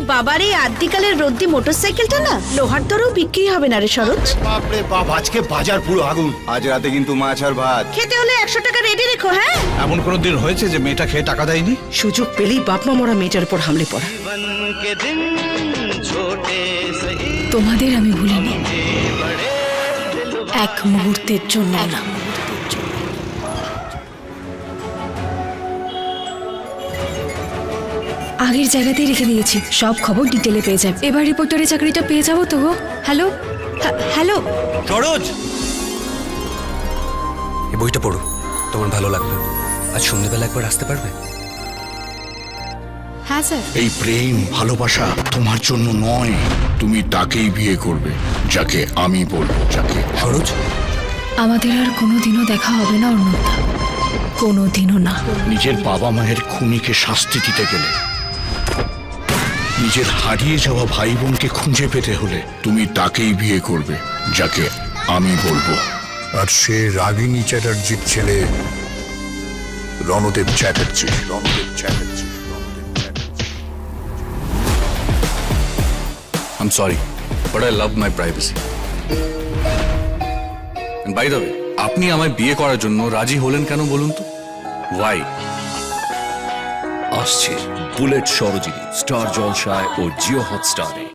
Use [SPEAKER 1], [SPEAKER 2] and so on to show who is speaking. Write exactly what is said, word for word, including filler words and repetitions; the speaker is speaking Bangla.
[SPEAKER 1] বাবার এই আদ্যিকালের রদ্দি মোটরসাইকেলটা না লোহার দরেও বিক্রি হবে না রে সরোজ।
[SPEAKER 2] বাপরে বাপ, আজকে বাজার পুরো আগুন।
[SPEAKER 3] আজ রাতে কিন্তু মাছ আর ভাত।
[SPEAKER 1] খেতে হলে একশো টাকা রেডি রেখো। হ্যাঁ,
[SPEAKER 4] এমন কোনো দিন হয়েছে যে মেয়েটা খেয়ে টাকা দেয়নি?
[SPEAKER 5] সুযোগ পেলেই বাপ মা মরা মেয়েটার উপর হামলে পড়া।
[SPEAKER 6] তোমাদের আমি ভুলিনি, এক মুহূর্তের জন্য না। আগের জায়গাতেই রেখে দিয়েছি, সব খবর ডিটেলে পেয়ে যাবে। এবার রিপোর্টারের চাকরিটা পেয়ে যাবো তো গো। হ্যালো হ্যালো
[SPEAKER 7] সরোজ, এই বইটা পড়ো, তোমার ভালো লাগবে। আজ সন্ধ্যেবেলা একবার আসতে পারবে?
[SPEAKER 6] হ্যাঁ স্যার।
[SPEAKER 2] এই প্রেম ভালোবাসা তোমার জন্য নয়, তুমি তাকেই বিয়ে করবে যাকে আমি বলবো, যাকে।
[SPEAKER 7] সরোজ,
[SPEAKER 6] আমাদের আর কোনোদিনও দেখা হবে না অর্ণবদা, কোনোদিনও না।
[SPEAKER 2] নিজের বাবা মায়ের খুনিকে শাস্তি দিতে গেলে, নিজের হারিয়ে যাওয়া ভাই বোনকে খুঁজে পেতে হলে তুমি তাকেই বিয়ে করবে যাকে আমি বলবো।
[SPEAKER 8] আর সে রাগিনী চ্যাটার্জির ছেলে Ranadeb Chatterjee. Ranadeb Chatterjee
[SPEAKER 9] I'm sorry, but I love my privacy. And by the way, আপনি আমায় বিয়ে করার জন্য রাজি হলেন কেন বলুন তো? Why?
[SPEAKER 7] আসছে বুলেট সরোজিনী স্টার জলসায় ও জিও হটস্টারে।